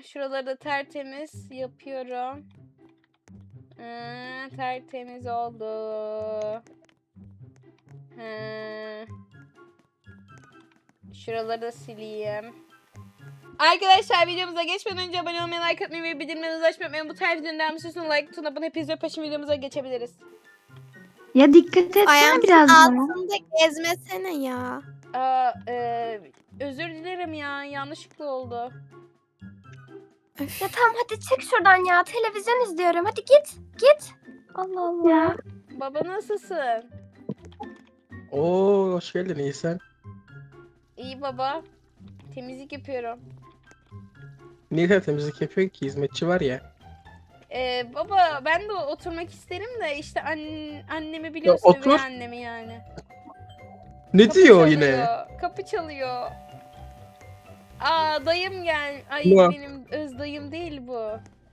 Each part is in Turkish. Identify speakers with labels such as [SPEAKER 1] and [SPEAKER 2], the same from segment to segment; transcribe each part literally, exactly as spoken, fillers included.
[SPEAKER 1] şuraları da tertemiz yapıyorum. Ee, tertemiz oldu. Ee, şuraları da sileyim. Arkadaşlar videomuza geçmeden önce abone olmayı, like atmayı ve bildirimlerinizi açmayı unutmayın. Bu tarz videoların devamı için like butonuna abone hepinize peşin videomuza geçebiliriz.
[SPEAKER 2] Ya dikkat etsene
[SPEAKER 3] Ayağımın
[SPEAKER 2] biraz ya.
[SPEAKER 3] altında gezmesene ya.
[SPEAKER 1] Aa, e, özür dilerim ya, yanlışlıkla oldu.
[SPEAKER 3] Öf.
[SPEAKER 4] Ya tamam hadi çık şuradan ya. Televizyon izliyorum. Hadi git. Git. Allah Allah.
[SPEAKER 2] Ya.
[SPEAKER 1] Baba nasılsın?
[SPEAKER 5] Oo, hoş geldin, iyi sen.
[SPEAKER 1] İyi baba. Temizlik yapıyorum.
[SPEAKER 5] Niye temizlik yapıyor ki, hizmetçi var ya.
[SPEAKER 1] Ee, baba ben de oturmak isterim de işte an annemi biliyorsun,
[SPEAKER 5] otur.
[SPEAKER 1] üvey annemi yani.
[SPEAKER 5] Ne
[SPEAKER 1] Kapı
[SPEAKER 5] diyor o
[SPEAKER 1] çalıyor,
[SPEAKER 5] yine?
[SPEAKER 1] Kapı çalıyor. Aa dayım gel. Ay
[SPEAKER 5] Ne?
[SPEAKER 1] benim öz dayım değil bu.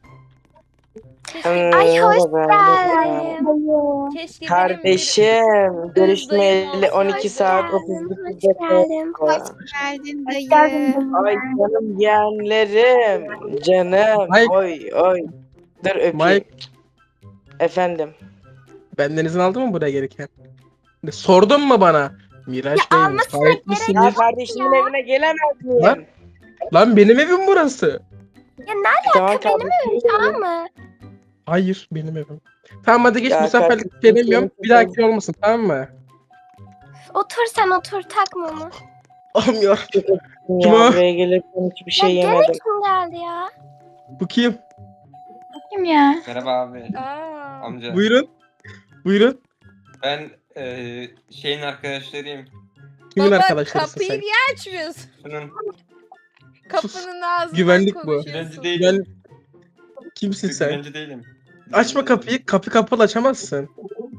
[SPEAKER 4] Ay hoş
[SPEAKER 3] geldin.
[SPEAKER 4] geldin.
[SPEAKER 1] Keşke benim
[SPEAKER 6] Kardeşim, görüşmeyeli
[SPEAKER 1] olsaydı.
[SPEAKER 6] on iki saat
[SPEAKER 4] Hoş
[SPEAKER 6] otuz
[SPEAKER 4] geldin.
[SPEAKER 6] dakika
[SPEAKER 4] Hoş geldin.
[SPEAKER 6] oldu.
[SPEAKER 3] Geldin
[SPEAKER 4] Hoş
[SPEAKER 3] dayı.
[SPEAKER 4] geldin.
[SPEAKER 6] Ay canım yeğenlerim, canım.
[SPEAKER 5] Mike.
[SPEAKER 6] Oy oy. Dur öpeyim.
[SPEAKER 5] Mike,
[SPEAKER 6] Efendim.
[SPEAKER 5] benden izin aldın mı buraya gelirken? Ne, sordun mu bana? Miraç
[SPEAKER 4] Ya
[SPEAKER 5] Bey,
[SPEAKER 4] almasına
[SPEAKER 5] müsait
[SPEAKER 4] gerek
[SPEAKER 5] misiniz?
[SPEAKER 6] Ya kardeşimin evine gelemez miyim?
[SPEAKER 5] Lan. Lan benim evim burası.
[SPEAKER 4] Ya ne
[SPEAKER 6] Tamam
[SPEAKER 4] alaka benim
[SPEAKER 6] kardeşim.
[SPEAKER 4] evim tamam mı?
[SPEAKER 5] Hayır, benim evim. Tamam hadi geç,
[SPEAKER 6] Ya
[SPEAKER 5] misafirlik
[SPEAKER 6] kardeşim,
[SPEAKER 5] gelemiyorum.
[SPEAKER 6] senin-
[SPEAKER 5] Bir dahaki olmasın, tamam mı?
[SPEAKER 4] Otur sen otur takma onu.
[SPEAKER 5] Olmuyor.
[SPEAKER 6] Ya
[SPEAKER 5] Kim o?
[SPEAKER 6] buraya gelirken hiçbir şey
[SPEAKER 4] ya gene
[SPEAKER 6] yemedim.
[SPEAKER 4] kim geldi ya?
[SPEAKER 5] Bu kim?
[SPEAKER 2] Kim ya?
[SPEAKER 7] Merhaba abi,
[SPEAKER 1] Aa,
[SPEAKER 7] amca.
[SPEAKER 5] Buyurun. Buyurun.
[SPEAKER 7] Ben eee şeyin arkadaşlarıyım.
[SPEAKER 5] Kimin
[SPEAKER 1] baba
[SPEAKER 5] arkadaşlarısın
[SPEAKER 1] kapıyı
[SPEAKER 5] sen?
[SPEAKER 1] niye açmıyorsun?
[SPEAKER 7] Şunun
[SPEAKER 1] Kapının ağzından
[SPEAKER 5] Güvenlik bu.
[SPEAKER 1] konuşuyorsun.
[SPEAKER 7] güvenci değilim.
[SPEAKER 5] Güven... Kimsin sen?
[SPEAKER 7] Güvenci değilim.
[SPEAKER 5] Açma kapıyı. Kapı kapalı açamazsın.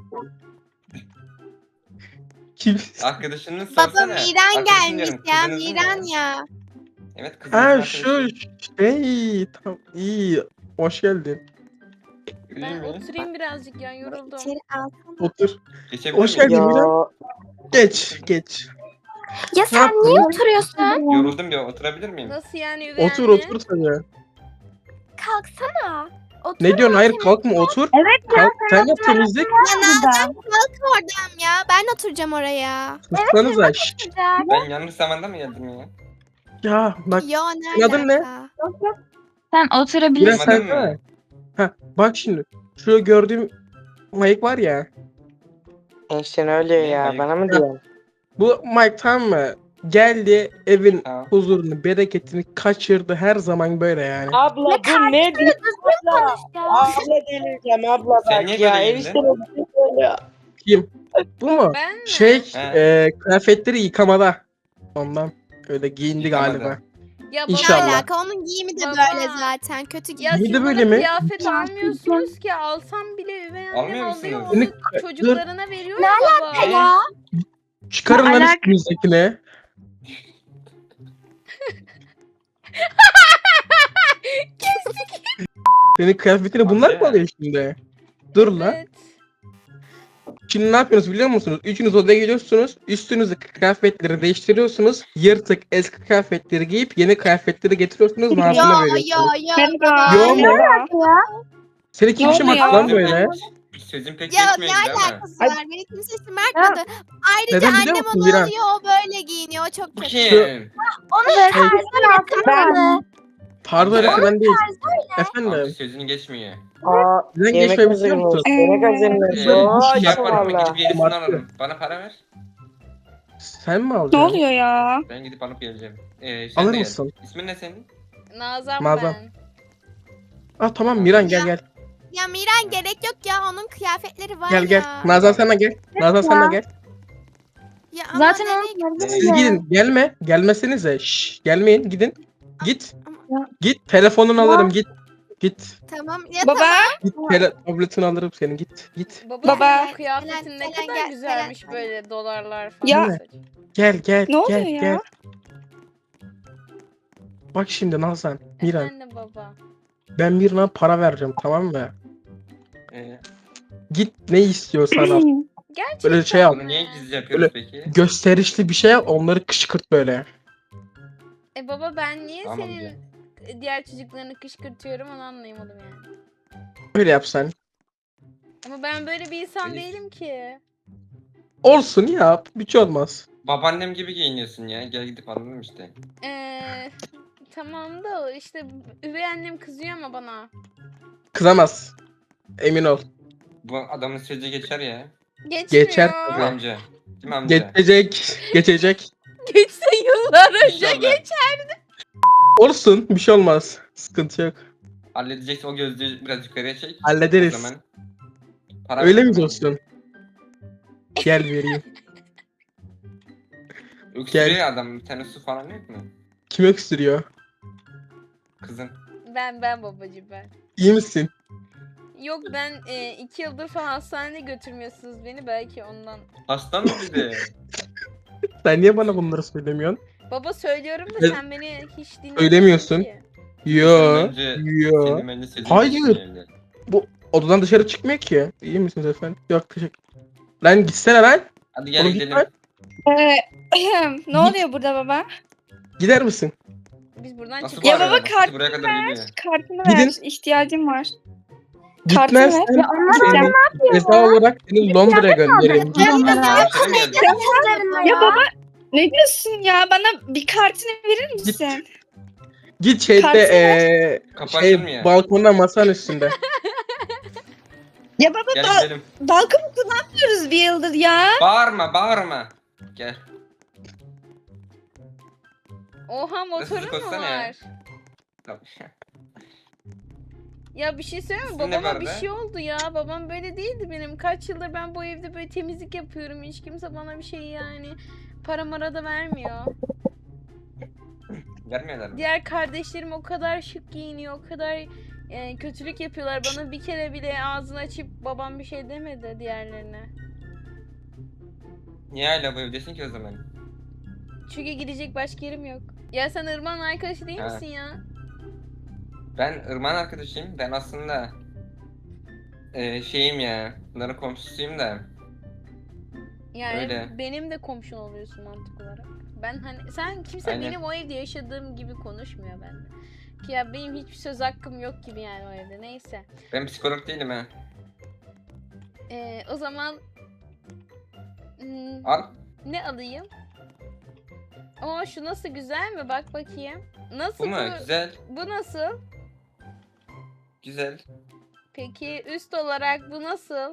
[SPEAKER 5] Kim?
[SPEAKER 7] Arkadaşını
[SPEAKER 3] Baba
[SPEAKER 7] sorsana.
[SPEAKER 3] Miran
[SPEAKER 7] Arkadaşın
[SPEAKER 3] gelmiş
[SPEAKER 7] diyorum,
[SPEAKER 3] ya.
[SPEAKER 7] kızınız mı
[SPEAKER 3] Miran ya.
[SPEAKER 7] Evet kızınız
[SPEAKER 5] Ha
[SPEAKER 7] arkadaşı.
[SPEAKER 5] şu şey, tamam, iyi. Hoş geldin.
[SPEAKER 7] İyi
[SPEAKER 1] Ben
[SPEAKER 7] mi?
[SPEAKER 1] oturayım birazcık ya, yoruldum.
[SPEAKER 3] İçeri alsana.
[SPEAKER 5] Otur.
[SPEAKER 7] Geçebilir
[SPEAKER 5] Hoş
[SPEAKER 7] miyim?
[SPEAKER 5] geldin.
[SPEAKER 6] Ya
[SPEAKER 5] Miran. Geç, geç.
[SPEAKER 4] Ya sen
[SPEAKER 5] yaptın?
[SPEAKER 4] niye oturuyorsun?
[SPEAKER 7] Yoruldum ya, oturabilir miyim?
[SPEAKER 1] Nasıl yani üvey
[SPEAKER 5] Otur,
[SPEAKER 1] anne?
[SPEAKER 5] otur tabii.
[SPEAKER 4] Kalksana. Otur
[SPEAKER 5] Ne diyorsun? Hayır,
[SPEAKER 4] temiz-
[SPEAKER 5] kalkma, otur.
[SPEAKER 2] Evet
[SPEAKER 5] Kalk, sen yap temizlik.
[SPEAKER 3] Ya Nazan kalk oradan ya. Ben oturacağım oraya.
[SPEAKER 5] Sussanıza. Şşş.
[SPEAKER 4] Güzel.
[SPEAKER 7] Ben yanlış zamanda mı geldim ya?
[SPEAKER 5] Ya bak,
[SPEAKER 3] Yo ne
[SPEAKER 5] senin adın ne?
[SPEAKER 3] alaka?
[SPEAKER 2] Sen
[SPEAKER 5] Miran
[SPEAKER 2] oturabilirsin.
[SPEAKER 5] sen
[SPEAKER 7] Anladın mı?
[SPEAKER 5] de. Ha, bak şimdi. Şu gördüğüm Mike var ya.
[SPEAKER 6] enişten öyle ya,
[SPEAKER 7] Hayır.
[SPEAKER 6] bana mı diyorsun?
[SPEAKER 5] Bu Mike, tamam mı? Geldi, evin
[SPEAKER 7] Tamam.
[SPEAKER 5] huzurunu, bereketini kaçırdı, her zaman böyle yani.
[SPEAKER 6] Abla bu ne diyor? Abla,
[SPEAKER 4] Konuş ya.
[SPEAKER 6] abla delireceğim abla
[SPEAKER 7] Sen
[SPEAKER 6] bak
[SPEAKER 7] niye
[SPEAKER 6] ya.
[SPEAKER 7] böyle
[SPEAKER 6] Enişten
[SPEAKER 7] giyindin?
[SPEAKER 6] bir şey söyle.
[SPEAKER 5] Kim? Bu mu?
[SPEAKER 1] Ben mi?
[SPEAKER 5] Şey,
[SPEAKER 7] He.
[SPEAKER 5] e, kıyafetleri yıkamada. Ondan öyle giyindi
[SPEAKER 7] Yıkamada.
[SPEAKER 5] galiba.
[SPEAKER 1] Ya baba,
[SPEAKER 3] Ne
[SPEAKER 5] İnşallah.
[SPEAKER 3] alaka? Onun giyimi de
[SPEAKER 1] Baba.
[SPEAKER 3] böyle zaten. Kötü
[SPEAKER 1] Ya
[SPEAKER 3] giyimi.
[SPEAKER 5] Giydi
[SPEAKER 1] siz
[SPEAKER 5] böyle
[SPEAKER 1] bana
[SPEAKER 5] mi?
[SPEAKER 1] kıyafet almıyorsunuz ki, alsam bile üvey annem
[SPEAKER 7] Almıyor
[SPEAKER 1] alıyor,
[SPEAKER 7] musunuz?
[SPEAKER 1] onu
[SPEAKER 5] Seni-
[SPEAKER 1] çocuklarına veriyor
[SPEAKER 4] Ne
[SPEAKER 1] ya baba.
[SPEAKER 4] Ya.
[SPEAKER 5] Çıkarın lan
[SPEAKER 2] Alak-
[SPEAKER 5] üstünüzdekini. Senin kıyafetini bunlar mı
[SPEAKER 7] Amca.
[SPEAKER 5] alıyor şimdi? Dur lan.
[SPEAKER 1] Evet.
[SPEAKER 5] Şimdi ne yapıyorsunuz biliyor musunuz? Üçünüz odaya geliyorsunuz. Üstünüzdeki kıyafetleri değiştiriyorsunuz. Yırtık eski kıyafetleri giyip yeni kıyafetleri getiriyorsunuz.
[SPEAKER 3] Yo
[SPEAKER 5] Nazlı'na
[SPEAKER 3] yo
[SPEAKER 5] veriyorsunuz.
[SPEAKER 3] yo.
[SPEAKER 2] Merhaba.
[SPEAKER 5] Yo mu?
[SPEAKER 4] Ya.
[SPEAKER 5] Seni kim
[SPEAKER 2] Ne
[SPEAKER 5] şımarttı
[SPEAKER 2] oluyor?
[SPEAKER 5] lan böyle?
[SPEAKER 7] Sözüm pek
[SPEAKER 3] Ya ne
[SPEAKER 7] geçmiyor gibi ama.
[SPEAKER 3] alakası var? Beni kimse şımartmadı. Ayrıca
[SPEAKER 5] Neden biliyor
[SPEAKER 3] annem
[SPEAKER 5] musun
[SPEAKER 3] onu
[SPEAKER 5] Miran?
[SPEAKER 3] alıyor. O böyle giyiniyor. O çok
[SPEAKER 7] Bu
[SPEAKER 3] kötü.
[SPEAKER 7] kim?
[SPEAKER 4] Onu
[SPEAKER 5] Hey.
[SPEAKER 4] tarzına yakınmadı.
[SPEAKER 5] Tarzı
[SPEAKER 7] Amca.
[SPEAKER 5] öğretmen değil.
[SPEAKER 7] Amca
[SPEAKER 5] Efendim.
[SPEAKER 7] sözün geçmiyor.
[SPEAKER 6] Aa,
[SPEAKER 5] Neden
[SPEAKER 6] yemek
[SPEAKER 5] geçmeyi biliyor
[SPEAKER 6] hazırmış.
[SPEAKER 5] musun?
[SPEAKER 6] Yemek hazırmış.
[SPEAKER 7] Ee,
[SPEAKER 5] Şöyle
[SPEAKER 7] şey
[SPEAKER 5] bir şey
[SPEAKER 7] yaparım ben,
[SPEAKER 6] valla.
[SPEAKER 7] gidip yenisini
[SPEAKER 5] Martı.
[SPEAKER 7] alırım. Bana para ver.
[SPEAKER 5] Sen mi alacaksın?
[SPEAKER 2] ya?
[SPEAKER 7] Ben gidip alıp geleceğim. Ee, sen
[SPEAKER 5] Alır
[SPEAKER 7] de gel.
[SPEAKER 5] mısın?
[SPEAKER 7] İsmin ne senin?
[SPEAKER 1] Nazan,
[SPEAKER 5] Nazan.
[SPEAKER 1] ben.
[SPEAKER 5] Ah tamam Miran, gel
[SPEAKER 3] Ya.
[SPEAKER 5] gel.
[SPEAKER 3] Ya Miran gerek yok ya. Onun kıyafetleri var
[SPEAKER 5] Gel
[SPEAKER 3] ya.
[SPEAKER 5] gel. Nazan sen de gel. Nazan sen de gel.
[SPEAKER 3] Ya ama
[SPEAKER 2] Zaten
[SPEAKER 3] nereye
[SPEAKER 2] onu
[SPEAKER 3] gidiyorsun?
[SPEAKER 5] Siz gidin. Gelme. Gelmesenize. Şşş. Gelmeyin. Gidin. Git.
[SPEAKER 3] Ama-
[SPEAKER 5] Git. Telefonunu alırım. Git. Git.
[SPEAKER 3] Tamam ya
[SPEAKER 2] Baba.
[SPEAKER 3] tamam.
[SPEAKER 5] Git. Tele tabletini alırım senin. Git. Git.
[SPEAKER 1] Baba,
[SPEAKER 2] Baba.
[SPEAKER 1] senin o kıyafetin ne
[SPEAKER 3] Gelen,
[SPEAKER 1] kadar
[SPEAKER 3] gelen,
[SPEAKER 1] güzelmiş
[SPEAKER 3] gelen.
[SPEAKER 1] böyle, dolarlar falan.
[SPEAKER 2] Ya.
[SPEAKER 1] saç.
[SPEAKER 5] Gel gel.
[SPEAKER 2] Ne oluyor
[SPEAKER 5] gel
[SPEAKER 2] ya?
[SPEAKER 5] gel. Bak şimdi Nazan. Miran.
[SPEAKER 1] Efendim baba.
[SPEAKER 5] Ben Miran'a para vereceğim, tamam mı?
[SPEAKER 7] Ee,
[SPEAKER 5] Git ne istiyorsan al.
[SPEAKER 1] Gerçekten
[SPEAKER 5] Böyle şey al.
[SPEAKER 7] bunu niye gizli yapıyoruz peki?
[SPEAKER 5] Gösterişli bir şey al. Onları kışkırt böyle.
[SPEAKER 1] E baba, ben niye
[SPEAKER 7] Tamam
[SPEAKER 1] senin
[SPEAKER 7] ya.
[SPEAKER 1] diğer çocuklarını kışkırtıyorum onu anlayamadım yani.
[SPEAKER 5] Öyle yapsan.
[SPEAKER 1] Ama ben böyle bir insan
[SPEAKER 7] Elif.
[SPEAKER 1] değilim ki.
[SPEAKER 5] Olsun yap. Bir şey olmaz.
[SPEAKER 7] Babaannem gibi giyiniyorsun ya. Gel gidip alalım işte.
[SPEAKER 1] Ee, tamam da o işte üvey annem kızıyor ama bana.
[SPEAKER 5] Kızamaz. Emin ol.
[SPEAKER 7] Bu adamın sözü geçer ya.
[SPEAKER 1] Geçmiyor.
[SPEAKER 5] Geçer
[SPEAKER 7] Değil mi
[SPEAKER 5] tabii.
[SPEAKER 7] amca? Değil mi amca?
[SPEAKER 5] Geçecek. Geçecek.
[SPEAKER 1] Geçse yıllar önce
[SPEAKER 7] İnşallah.
[SPEAKER 1] geç.
[SPEAKER 5] Olsun. Bir şey olmaz. Sıkıntı yok.
[SPEAKER 7] Halledeceksin o gözlüğü biraz yukarıya çek.
[SPEAKER 5] Hallederiz.
[SPEAKER 7] O zaman. Para
[SPEAKER 5] Öyle
[SPEAKER 7] ver
[SPEAKER 5] mi
[SPEAKER 7] bana.
[SPEAKER 5] dostum? Gel vereyim.
[SPEAKER 7] Öksürüyor adam. Bir tane su falan yok mu?
[SPEAKER 5] Kim öksürüyor?
[SPEAKER 7] Kızın.
[SPEAKER 1] Ben ben babacığım ben.
[SPEAKER 5] İyi misin?
[SPEAKER 1] Yok ben e, iki yıldır falan hastaneye götürmüyorsunuz beni belki ondan.
[SPEAKER 7] Hasta mı bir de?
[SPEAKER 5] Sen niye bana bunları söylemiyorsun?
[SPEAKER 1] Baba söylüyorum da
[SPEAKER 5] Ben-
[SPEAKER 1] sen beni hiç dinlemiyorsun
[SPEAKER 5] Söylemiyorsun.
[SPEAKER 1] ki.
[SPEAKER 5] Yo.
[SPEAKER 7] Önce
[SPEAKER 5] Yo.
[SPEAKER 7] Senin bence sözün
[SPEAKER 5] Hayır.
[SPEAKER 7] geçsin evde.
[SPEAKER 5] Odadan dışarı çıkmıyor ki. İyi misiniz efendim? Yok teşekkür. Lan gitsene lan.
[SPEAKER 7] Hadi gel
[SPEAKER 5] Oğlum
[SPEAKER 7] gidelim.
[SPEAKER 5] git lan.
[SPEAKER 8] ne oluyor burada baba?
[SPEAKER 5] Gider misin?
[SPEAKER 1] Biz buradan
[SPEAKER 7] Nasıl
[SPEAKER 1] çıkıyoruz.
[SPEAKER 8] Ya
[SPEAKER 7] bağırıyor
[SPEAKER 8] baba,
[SPEAKER 7] adam?
[SPEAKER 8] kart
[SPEAKER 7] Buraya kadar geliyor.
[SPEAKER 8] Kartını
[SPEAKER 5] Gidin.
[SPEAKER 8] ver. İhtiyacım var. Kartını
[SPEAKER 5] Gitmezsen
[SPEAKER 8] ver. Ya
[SPEAKER 5] seni ceza olarak seni Londra'ya göndereyim. Git.
[SPEAKER 2] Onlara.
[SPEAKER 7] Hemşire mi geldi?
[SPEAKER 8] Ya baba ne diyorsun ya? Bana bir kartını verir misin?
[SPEAKER 5] Git şeyde
[SPEAKER 8] Kartını
[SPEAKER 5] eee
[SPEAKER 7] Kapı
[SPEAKER 5] şey
[SPEAKER 7] açılmıyor.
[SPEAKER 5] balkonda masanın üstünde.
[SPEAKER 8] Ya baba
[SPEAKER 7] Gel
[SPEAKER 8] da
[SPEAKER 7] gidelim.
[SPEAKER 8] balkonu kullanmıyoruz bir yıldır ya.
[SPEAKER 7] Bağırma bağırma. Gel.
[SPEAKER 1] Oha motorun mu
[SPEAKER 7] koşsana ya.
[SPEAKER 1] var?
[SPEAKER 7] Tamam.
[SPEAKER 1] Ya bir şey söyleyeyim mi?
[SPEAKER 7] İsmin ne
[SPEAKER 1] Babama bir
[SPEAKER 7] vardı?
[SPEAKER 1] şey oldu ya. Babam böyle değildi benim. Kaç yıldır ben bu evde böyle temizlik yapıyorum. Hiç kimse bana bir şey yani para mara da vermiyor.
[SPEAKER 7] Vermiyorlar mı?
[SPEAKER 1] Diğer kardeşlerim o kadar şık giyiniyor. O kadar e, kötülük yapıyorlar. Bana bir kere bile ağzını açıp babam bir şey demedi diğerlerine.
[SPEAKER 7] Niye hala bu evdesin ki o zaman?
[SPEAKER 1] Çünkü gidecek başka yerim yok. Ya sen Irmak'ın arkadaşı değil
[SPEAKER 7] Ha.
[SPEAKER 1] misin ya?
[SPEAKER 7] Ben Irmak'ın arkadaşıyım. Ben aslında eee şeyim ya. Bunların komşusuyum da.
[SPEAKER 1] Yani
[SPEAKER 7] Öyle.
[SPEAKER 1] benim de komşun oluyorsun mantık olarak. Ben hani sen kimse
[SPEAKER 7] Aynen.
[SPEAKER 1] benim o evde yaşadığım gibi konuşmuyor bende. Ki ya benim hiçbir söz hakkım yok gibi yani o evde. Neyse.
[SPEAKER 7] Ben psikolog değilim ha.
[SPEAKER 1] Ee, o zaman hmm,
[SPEAKER 7] Al.
[SPEAKER 1] ne alayım? Oo şu nasıl güzel mi? Bak bakayım. Nasıl
[SPEAKER 7] Bu mu? Güzel.
[SPEAKER 1] Bu nasıl?
[SPEAKER 7] Güzel.
[SPEAKER 1] Peki üst olarak bu nasıl?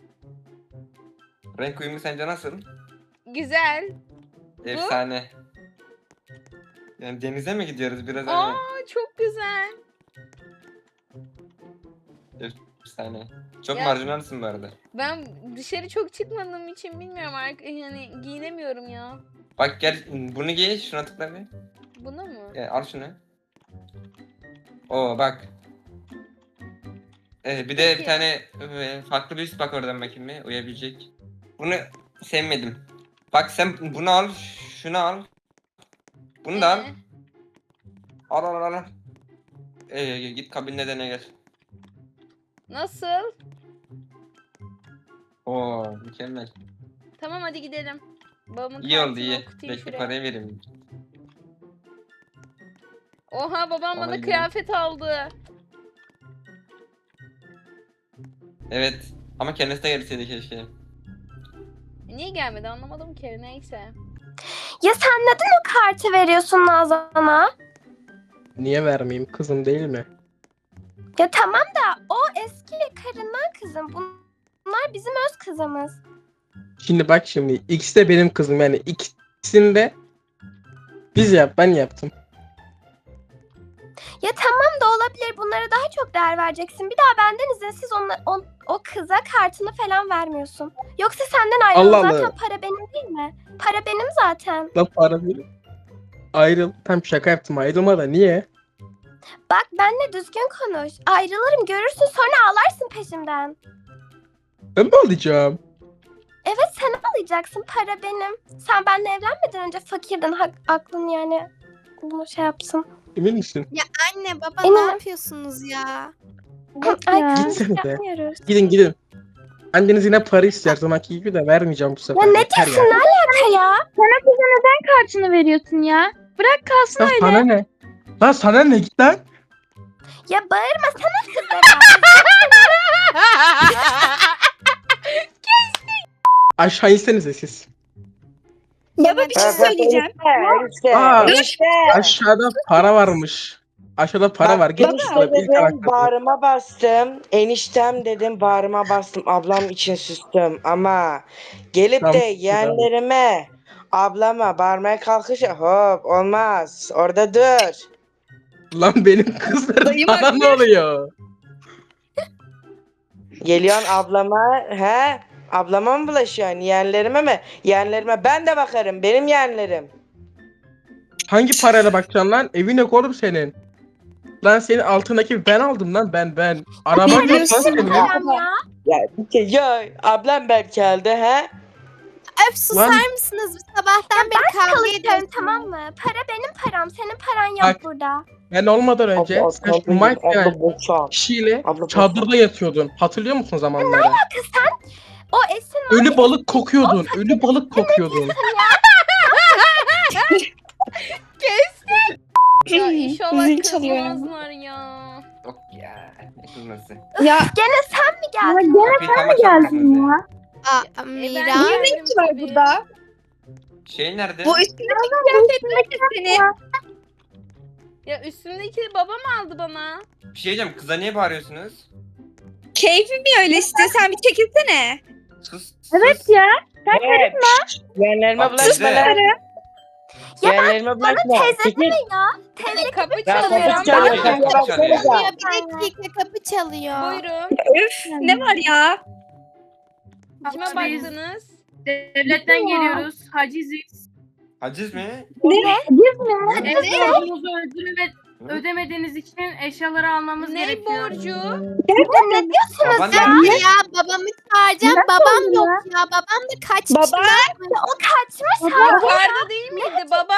[SPEAKER 7] Renk uyumu sence nasıl?
[SPEAKER 1] Güzel.
[SPEAKER 7] Efsane. Yani denize mi gidiyoruz biraz
[SPEAKER 1] Aa
[SPEAKER 7] hani?
[SPEAKER 1] çok güzel.
[SPEAKER 7] Efsane. Çok
[SPEAKER 1] Ya-
[SPEAKER 7] marjinalsin bu arada.
[SPEAKER 1] Ben dışarı çok çıkmadığım için bilmiyorum artık yani giyinemiyorum ya.
[SPEAKER 7] Bak gel bunu giy şuna tıkla bir.
[SPEAKER 1] Buna mı?
[SPEAKER 7] Gel, al şunu. Oo bak. Ee, bir de
[SPEAKER 1] Peki.
[SPEAKER 7] bir tane e, farklı bir üst bak oradan bakayım bir uyabilecek. Bunu sevmedim. Bak sen bunu al, şunu al. Bunu da al.
[SPEAKER 1] Ee,
[SPEAKER 7] Al al al al. Ee, git kabinine dene gel.
[SPEAKER 1] Nasıl?
[SPEAKER 7] Oo mükemmel.
[SPEAKER 1] Tamam hadi gidelim. Babamın
[SPEAKER 7] İyi oldu
[SPEAKER 1] kartını
[SPEAKER 7] iyi.
[SPEAKER 1] okutayım
[SPEAKER 7] Bekle
[SPEAKER 1] şuraya.
[SPEAKER 7] parayı vereyim.
[SPEAKER 1] Oha babam bana
[SPEAKER 7] Vallahi
[SPEAKER 1] kıyafet aldı.
[SPEAKER 7] Evet. Ama kendisi de gelseydi keşke.
[SPEAKER 1] Niye gelmedi anlamadım ki neyse.
[SPEAKER 4] Ya sen neden o kartı veriyorsun Nazan'a?
[SPEAKER 5] Niye vermeyeyim? Kızım değil mi?
[SPEAKER 4] Ya tamam da o eski karından kızım. Bunlar bizim öz kızımız.
[SPEAKER 5] Şimdi bak şimdi ikisi de benim kızım yani ikisini de biz yap ben yaptım.
[SPEAKER 4] Ya tamam da olabilir. Bunlara daha çok değer vereceksin. Bir daha benden izinsiz ona, o, o kıza kartını falan vermiyorsun. Yoksa senden ayrılın.
[SPEAKER 5] Allah Allah.
[SPEAKER 4] Zaten para benim değil mi? Para benim zaten.
[SPEAKER 5] La para verin. Ayrıl. Tam şaka yaptım ayrılma da niye?
[SPEAKER 4] Bak benimle düzgün konuş. Ayrılırım görürsün sonra ağlarsın peşimden.
[SPEAKER 5] Ben mi alacağım?
[SPEAKER 4] Evet sen ağlayacaksın. Para benim. Sen benimle evlenmeden önce fakirdin. Hak, aklın yani bunu şey yapsın.
[SPEAKER 5] Emin misin?
[SPEAKER 3] Anne baba
[SPEAKER 4] Eminim.
[SPEAKER 3] ne yapıyorsunuz ya?
[SPEAKER 4] Ay
[SPEAKER 2] ya.
[SPEAKER 4] kızım
[SPEAKER 5] Gitsene de.
[SPEAKER 4] yapmıyoruz.
[SPEAKER 5] Gidin gidin. Anneniz yine para ister zamanki gibi de vermeyeceğim bu sefer.
[SPEAKER 4] Ya ne
[SPEAKER 5] Yeter
[SPEAKER 4] diyorsun
[SPEAKER 5] ya.
[SPEAKER 4] ne alaka ya?
[SPEAKER 2] Sana kıza neden kartını veriyorsun ya? Bırak kalsın
[SPEAKER 5] Ya
[SPEAKER 2] öyle.
[SPEAKER 5] sana ne? Lan sana ne git lan?
[SPEAKER 4] Ya bağırma sana kızlara.
[SPEAKER 5] Aşağı insenize siz.
[SPEAKER 8] Baba bir şey
[SPEAKER 6] Ha, bak,
[SPEAKER 8] söyleyeceğim.
[SPEAKER 6] Enişte,
[SPEAKER 5] Aa.
[SPEAKER 6] enişte.
[SPEAKER 5] Aşağıda para varmış. Aşağıda para
[SPEAKER 6] Bak,
[SPEAKER 5] var. Git
[SPEAKER 6] enişte
[SPEAKER 5] bakalım ilk
[SPEAKER 6] dedim,
[SPEAKER 5] anahtarı.
[SPEAKER 6] bağrıma bastım. Eniştem dedim, bağrıma bastım. Ablam için sustum ama gelip
[SPEAKER 5] Tamam,
[SPEAKER 6] de
[SPEAKER 5] tamam.
[SPEAKER 6] yeğenlerime, ablama bağırmaya kalkışa hop olmaz. Orada dur.
[SPEAKER 5] Lan benim kızlarım
[SPEAKER 8] Dayım
[SPEAKER 5] bana
[SPEAKER 8] haklı.
[SPEAKER 5] ne oluyor?
[SPEAKER 6] Geliyorsun ablama, he? Ablama mı bulaşıyorsun? Yeğenlerime mi? Yeğenlerime ben de bakarım. Benim yeğenlerim.
[SPEAKER 5] Hangi parayla bakacaksın lan? Evin yok oğlum senin. Lan senin altındaki ben aldım lan ben ben. Araban yok lan
[SPEAKER 8] Bilmiyorsun
[SPEAKER 5] senin.
[SPEAKER 8] ya.
[SPEAKER 4] Kerem ya.
[SPEAKER 6] Ya, ya ablam belki aldı, he?
[SPEAKER 3] Öf susar
[SPEAKER 5] Lan-
[SPEAKER 3] mısınız? Sabahtan beri kavga
[SPEAKER 4] Çalışıyorum
[SPEAKER 3] ediyorsunuz.
[SPEAKER 4] tamam mı? Para benim param. Senin paran yok
[SPEAKER 5] Bak.
[SPEAKER 4] burada.
[SPEAKER 5] Ben olmadan önce
[SPEAKER 6] Abla,
[SPEAKER 5] sen şu
[SPEAKER 6] abla,
[SPEAKER 5] Mike
[SPEAKER 6] abla,
[SPEAKER 5] denen
[SPEAKER 6] boşan.
[SPEAKER 5] kişiyle
[SPEAKER 6] Abla,
[SPEAKER 5] çadırda yatıyordun. Hatırlıyor musun zamanları?
[SPEAKER 4] O Esin
[SPEAKER 5] Ölü balık kokuyordun. Ölü balık kokuyordun.
[SPEAKER 1] Ya inşallah
[SPEAKER 8] Zil çalıyor.
[SPEAKER 1] kızmazlar ya.
[SPEAKER 7] Yok ya. Ne kızması.
[SPEAKER 8] Ya
[SPEAKER 4] Gene sen mi
[SPEAKER 2] Ya
[SPEAKER 4] geldin?
[SPEAKER 2] gene
[SPEAKER 7] Kapıyı tam açar
[SPEAKER 2] geldin
[SPEAKER 7] mısınız?
[SPEAKER 2] ya.
[SPEAKER 3] Aa,
[SPEAKER 1] E, ben
[SPEAKER 3] Mira.
[SPEAKER 1] niye
[SPEAKER 8] ne renk var burada?
[SPEAKER 7] Şey nerede?
[SPEAKER 8] Bu üstündeki kıyafetler de senin.
[SPEAKER 1] Ya üstümdeki babam aldı bana.
[SPEAKER 7] Bir şey diyeceğim. Kıza niye bağırıyorsunuz?
[SPEAKER 8] Keyfim mi öyle işte? Sen bir çekilsene.
[SPEAKER 7] Sus.
[SPEAKER 2] Evet
[SPEAKER 7] sus.
[SPEAKER 2] ya.
[SPEAKER 6] Evet. Yeğenlerime
[SPEAKER 7] Bak
[SPEAKER 6] bulaşma
[SPEAKER 7] teyze.
[SPEAKER 6] lan.
[SPEAKER 4] Ya
[SPEAKER 6] Yeğenlerime bulaşma.
[SPEAKER 4] teyze
[SPEAKER 6] Çekil.
[SPEAKER 4] ya. Teyze
[SPEAKER 1] Kapı
[SPEAKER 6] Ya
[SPEAKER 1] çalıyor.
[SPEAKER 6] kapı çalıyor.
[SPEAKER 7] Ben-
[SPEAKER 6] Kapıya
[SPEAKER 7] Ben-
[SPEAKER 6] baksanıza.
[SPEAKER 3] Bir dakika kapı çalıyor.
[SPEAKER 1] Buyurun.
[SPEAKER 8] Üf ne var ya?
[SPEAKER 1] Kime baktınız?
[SPEAKER 9] Devletten geliyoruz. Haciziz.
[SPEAKER 7] Haciz mi?
[SPEAKER 2] Biz mi?
[SPEAKER 9] Evet, borcunuzu ödeme, ödemediğiniz için eşyaları almamız
[SPEAKER 1] Ne
[SPEAKER 9] gerekiyor.
[SPEAKER 1] borcu?
[SPEAKER 4] ne diyorsunuz
[SPEAKER 7] Baban
[SPEAKER 4] ya?
[SPEAKER 7] nerede?
[SPEAKER 3] Ya babamı çağıracağım. Babam yok ya. Babam da kaçmış.
[SPEAKER 8] Baba.
[SPEAKER 4] O kaçmış ha.
[SPEAKER 1] Yukarıda değil miydi baba?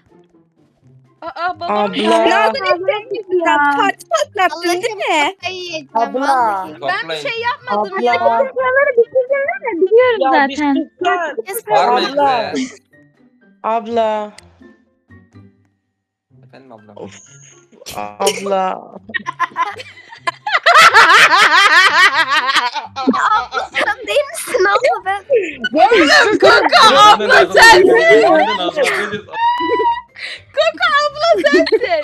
[SPEAKER 1] Aa babam
[SPEAKER 6] Abla.
[SPEAKER 8] Nereden istemişsin? Parti patlattın değil mi?
[SPEAKER 3] Kafayı yiyeceğim
[SPEAKER 6] Abla.
[SPEAKER 3] vallahi.
[SPEAKER 1] ben bir
[SPEAKER 7] Toplayın.
[SPEAKER 1] şey yapmadım ya.
[SPEAKER 6] Abla.
[SPEAKER 2] Eşyaları bitirdin mi? Biliyoruz
[SPEAKER 6] Ya bir
[SPEAKER 2] zaten.
[SPEAKER 6] sus lan.
[SPEAKER 7] Bağırmayın
[SPEAKER 6] Abla.
[SPEAKER 7] kıza.
[SPEAKER 6] Abla.
[SPEAKER 7] Efendim ablam.
[SPEAKER 6] Of. Abla.
[SPEAKER 4] Sen değil misin abla ben?
[SPEAKER 1] abla sensin. Abla sensin.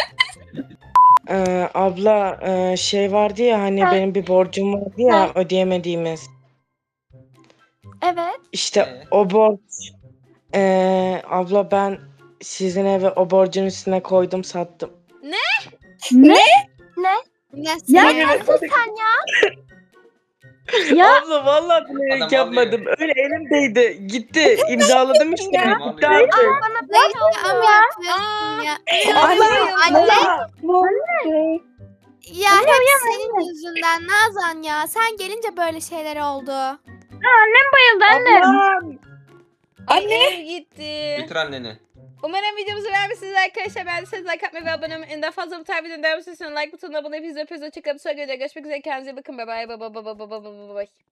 [SPEAKER 6] Ee, abla e, şey vardı ya hani benim bir borcum vardı ya ödeyemediğimiz.
[SPEAKER 4] Evet.
[SPEAKER 6] İşte
[SPEAKER 7] Ee?
[SPEAKER 6] o borç. Ee, abla ben sizin eve o borcun üstüne koydum sattım.
[SPEAKER 2] Ne?
[SPEAKER 3] Nasıl?
[SPEAKER 2] Ya-
[SPEAKER 3] ya?
[SPEAKER 4] Nasıl sen ya?
[SPEAKER 2] Ya
[SPEAKER 6] Abla vallahi bilerek
[SPEAKER 7] Adam
[SPEAKER 6] yapmadım. Öyle elimdeydi. Gitti. İmzaladım işte.
[SPEAKER 7] Tamam,
[SPEAKER 6] Gitti
[SPEAKER 7] alıyor.
[SPEAKER 6] artık.
[SPEAKER 4] Bana
[SPEAKER 3] Böyle
[SPEAKER 4] böyle
[SPEAKER 3] ama
[SPEAKER 4] ya.
[SPEAKER 3] yapıyorsun ya.
[SPEAKER 8] Anne.
[SPEAKER 3] Anne. Ya hep senin yüzünden Nazan ya. Sen gelince böyle şeyler oldu.
[SPEAKER 2] bayıldı anne.
[SPEAKER 6] Ablam.
[SPEAKER 8] Anne.
[SPEAKER 1] Ev gitti.
[SPEAKER 7] Götür anneni.
[SPEAKER 1] Umarım videomuzu beğenmişsiniz arkadaşlar. Beğendiyseniz like atmayı ve abone olmayı. En daha fazla bu tarz videoların devamı için like butonuna abone olmayı. Hoşçakalın. Sonra görüşmek üzere. Kendinize iyi bakın. Bye bye. Bye bye bye bye bye bye bye.